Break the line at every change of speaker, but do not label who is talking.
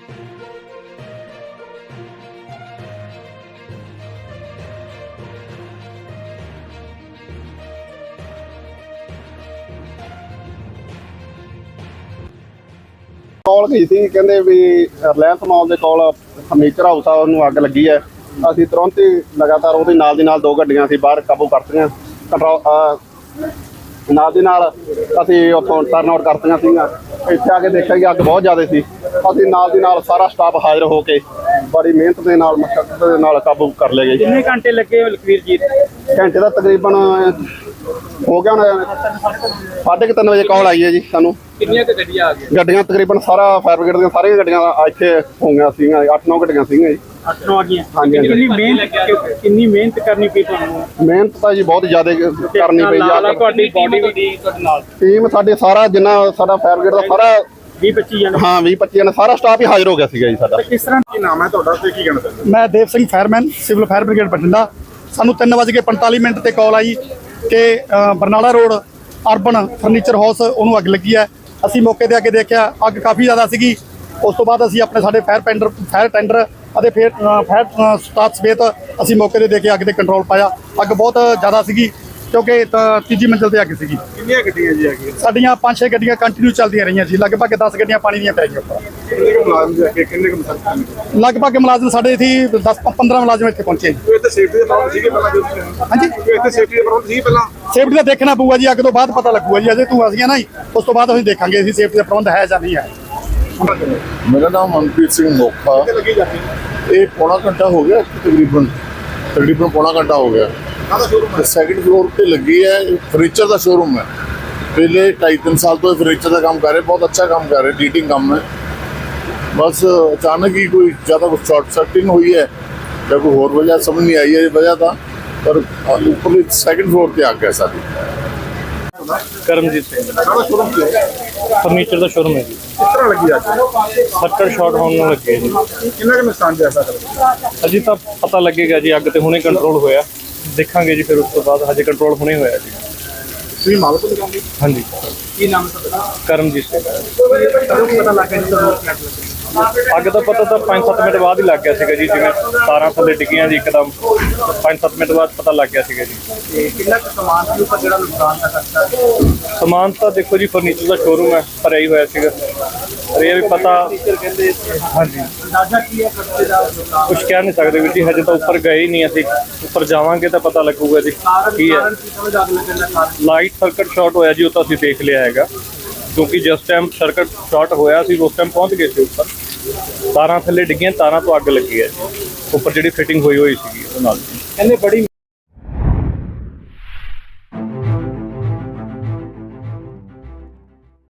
Call गई थी कहते भी रिलायंस मॉल के कोल फर्नीचर हाउस आ उन्होंने अग लगी है। असीं तुरंत ही लगातार वो नाल दी नाल दो गड्डियां सी बाहर काबू करतियां कंट्रोल नाल दी नाल असीं उत्थों टर्न आउट करतियां सीगीआं। इत्थे आके देखिया कि अग बहुत ज़्यादा सी। असीं नाल दी नाल सारा स्टाफ हाजिर हो के बड़ी मेहनत के नाल मशक्कत दे नाल काबू कर ले गए।
कितने घंटे लगे लखवीर जी?
घंटे का तकरीबन हो गया होना 3:30 बजे कॉल आई है जी सानू।
कितनियां ते गड्डियां आ गई?
गड्डियां तकरीबन सारा फायर ब्रिगेड दी सारियां गड्डियां इत्थे हो गईयां सीगीआं 8-9 गड्डियां सीगीआं जी।
8-9 आ गईयां।
हाँ जी, हाँ जी।
कितनी मेहनत करनी पई तुहानू?
मेहनत तो जी बहुत ज़्यादा करनी पई
नाल तुहाडी बॉडी भी तुहाडे नाल
टीम साडे सारा जिन्ना साडा फायर ब्रिगेड दा सारा
20-25 जने।
हाँ 20-25 जने सारा स्टाफ ही हाजिर हो गया सीगा जी साडा।
किस तरह
ਕੀ ਨਾਮ ਹੈ ਤੁਹਾਡਾ ਤੇ ਕੀ ਕਹਿਣਾ ਚਾਹੁੰਦੇ
मैं Dev Singh fireman civil fire brigade Bathinda. सानू 3:45 ਤੇ ਕਾਲ ਆਈ ਕਿ Barnala road urban furniture house ਉਹਨੂੰ ਅੱਗ ਲੱਗੀ ਹੈ। ਅਸੀਂ ਮੌਕੇ ਤੇ ਆ ਕੇ ਦੇਖਿਆ ਅੱਗ ਕਾਫੀ ਜ਼ਿਆਦਾ ਸੀਗੀ। ਉਸ ਤੋਂ ਬਾਅਦ ਅਸੀਂ ਆਪਣੇ ਸਾਡੇ ਫਾਇਰ ਟੈਂਡਰ ਅਤੇ ਫਿਰ ਫਾਇਰ ਸਟਾਫ ਸਮੇਤ ਅਸੀਂ ਮੌਕੇ ਤੇ ਦੇ ਕੇ ਅੱਗ ਤੇ ਕੰਟਰੋਲ ਪਾਇਆ। ਅੱਗ ਬਹੁਤ ਜ਼ਿਆਦਾ ਸੀਗੀ ਕਿਉਂਕਿ ਤੀਜੀ ਮੰਜ਼ਿਲ ਤੇ ਅੱਗ ਸੀਗੀ।
ਕਿੰਨੀਆਂ ਗੱਡੀਆਂ ਜੀ ਆ ਗਈਆਂ?
ਸਾਡੀਆਂ 5-6 ਗੱਡੀਆਂ ਕੰਟੀਨਿਊ ਚੱਲਦੀਆਂ ਰਹੀਆਂ ਜੀ। ਲਗਭਗ 10 ਗੱਡੀਆਂ ਪਾਣੀ ਦੀਆਂ ਪੈ ਗਈਆਂ ਉੱਪਰ।
ਕਿੰਨੇ ਕੁ ਮੁਲਾਜ਼ਮ ਜੀ ਅੱਗੇ ਕਿੰਨੇ ਕੁ ਮੁਲਾਜ਼ਮ?
ਲਗਭਗ ਮੁਲਾਜ਼ਮ ਸਾਡੇ ਇੱਥੇ 10-15 ਮੁਲਾਜ਼ਮ ਇੱਥੇ ਪਹੁੰਚੇ ਜੀ।
ਕੋਈ ਇੱਥੇ ਸੇਫਟੀ ਦੇ ਪ੍ਰਬੰਧ ਸੀਗੇ ਪਹਿਲਾਂ ਜੋ
ਹਾਂਜੀ,
ਕੋਈ ਇੱਥੇ ਸੇਫਟੀ ਦੇ ਪ੍ਰਬੰਧ ਸੀ ਪਹਿਲਾਂ?
ਸੇਫਟੀ ਦਾ ਦੇਖਣਾ ਪਊਗਾ ਜੀ। ਅੱਗ ਤੋਂ ਬਾਅਦ ਪਤਾ ਲੱਗੂਗਾ ਜੀ। ਅਜੇ ਤੂੰ ਅਸੀਂ ਨਾ ਜੀ ਉਸ ਤੋਂ ਬਾਅਦ ਅਸੀਂ ਦੇਖਾਂਗੇ ਅਸੀਂ ਸੇਫਟੀ ਦਾ ਪ੍ਰਬੰਧ ਹੈ ਜਾਂ ਨਹੀਂ ਹੈ।
मेरा नाम मनप्रीत सिंह मोखा।
ਲੱਗੀ ਜਾਂਦੀ ਹੈ
ये पौना घंटा हो गया तकरीबन पौना घंटा हो गया।
ਕਾਹਦਾ ਸ਼ੋਰੂਮ ਹੈ?
सैकंड फ्लोर पे लगी है, फर्नीचर का शोरूम है। पहले 2.5-3 साल तो फर्नीचर का काम कर रहे, बहुत अच्छा काम कर रहे, लीडिंग काम है। बस अचानक ही कोई ज़्यादा कुछ शॉर्ट सर्किटिंग हुई है या कोई और वजह समझ नहीं आई है वजह था, पर ऊपर सेकंड फ्लोर पे आ गया सारी।
ਕਰਮਜੀਤ ਸਿੰਘ
ਕਾਹਦਾ ਸ਼ੋਰੂਮ ਕੀ ਹੈ?
ਫਰਨੀਚਰ ਦਾ ਸ਼ੋਰੂਮ ਹੈ ਜੀ।
ਕਿਸ ਤਰ੍ਹਾਂ ਲੱਗੀ ਅੱਜ?
ਫੱਟੜ ਸ਼ਾਟ ਹੋਣ ਨੂੰ ਲੱਗੇ ਜੀ।
ਕਿੰਨਾ ਕੁ ਨੁਕਸਾਨ ਜਾ ਸਕਦਾ?
ਅਜੇ ਤਾਂ ਪਤਾ ਲੱਗੇਗਾ ਜੀ। ਅੱਗ ਤੇ ਹੁਣੇ ਕੰਟਰੋਲ ਹੋਇਆ, ਦੇਖਾਂਗੇ ਜੀ। ਫਿਰ ਉਸ ਤੋਂ ਬਾਅਦ ਹਜੇ ਕੰਟਰੋਲ ਹੁਣੇ ਹੋਇਆ ਜੀ।
ਤੁਸੀਂ ਮਾਲਕ ਦੁਕਾਨ ਦੀ?
ਹਾਂਜੀ,
ਕੀ ਨਾਮ ਹੈ ਤੁਹਾਡਾ?
ਕਰਮਜੀਤ ਸਿੰਘ।
ਕਦੋਂ ਪਤਾ ਲੱਗਾ ਜੀ ਤੁਹਾਨੂੰ ਅੱਗ ਲੱਗੀ?
ਅੱਗ ਦਾ ਪਤਾ ਤਾਂ 5-7 ਮਿੰਟ ਬਾਅਦ ਹੀ ਲੱਗ ਗਿਆ ਸੀਗਾ ਜੀ। ਜਿਵੇਂ ਤਾਰਾਂ ਥੱਲੇ ਡਿੱਗੀਆਂ ਜੀ ਇੱਕਦਮ 5-7 ਮਿੰਟ ਬਾਅਦ ਪਤਾ ਲੱਗ ਗਿਆ ਸੀਗਾ ਜੀ।
ਤੇ ਕਿੰਨਾ ਕੁ ਸਮਾਨ ਸੀ ਉੱਪਰ ਜਿਹੜਾ ਨੁਕਸਾਨ ਦਾ ਖਰਚਾ?
ਸਮਾਨ ਤਾਂ ਦੇਖੋ ਜੀ ਫਰਨੀਚਰ ਦਾ ਸ਼ੋਰੂਮ ਹੈ, ਭਰਿਆ ਹੀ ਹੋਇਆ ਸੀਗਾ। ਪਰ ਇਹ ਵੀ ਪਤਾ
ਕਹਿੰਦੇ
ਹਾਂਜੀ
ਅੰਦਾਜ਼ਾ ਕੀ ਹੈ ਖਰਚੇ ਦਾ ਨੁਕਸਾਨ?
ਕੁਝ ਕਹਿ ਨਹੀਂ ਸਕਦੇ ਵੀਰ ਜੀ। ਹਜੇ ਤਾਂ ਉੱਪਰ ਗਏ ਹੀ ਨਹੀਂ ਅਸੀਂ। ਉੱਪਰ ਜਾਵਾਂਗੇ ਤਾਂ ਪਤਾ ਲੱਗੂਗਾ ਜੀ ਕੀ ਹੈ।
ਕਾਰਨ ਕੀ ਸਮਝ ਅੱਗ ਲੱਗਣ ਦਾ ਕਾਰਨ?
ਲਾਈਟ ਸਰਕਟ ਸ਼ਾਰਟ ਹੋਇਆ ਜੀ, ਉਹ ਤਾਂ ਅਸੀਂ ਦੇਖ ਲਿਆ ਹੈਗਾ। ਕਿਉਂਕਿ ਜਿਸ ਟਾਈਮ ਸਰਕਟ ਸ਼ਾਰਟ ਹੋਇਆ ਸੀ ਉਸ ਟਾਈਮ ਪਹੁੰਚ ਗਏ ਸੀ ਉੱਪਰ। ਤਾਰਾਂ ਥੱਲੇ ਡਿੱਗੀਆਂ, ਤਾਰਾਂ ਤੋਂ ਅੱਗ ਲੱਗੀ ਹੈ ਜੀ। ਉੱਪਰ ਜਿਹੜੀ ਫਿਟਿੰਗ ਹੋਈ ਸੀਗੀ ਉਹ ਨਾਲ।
ਕਹਿੰਦੇ ਬੜੀ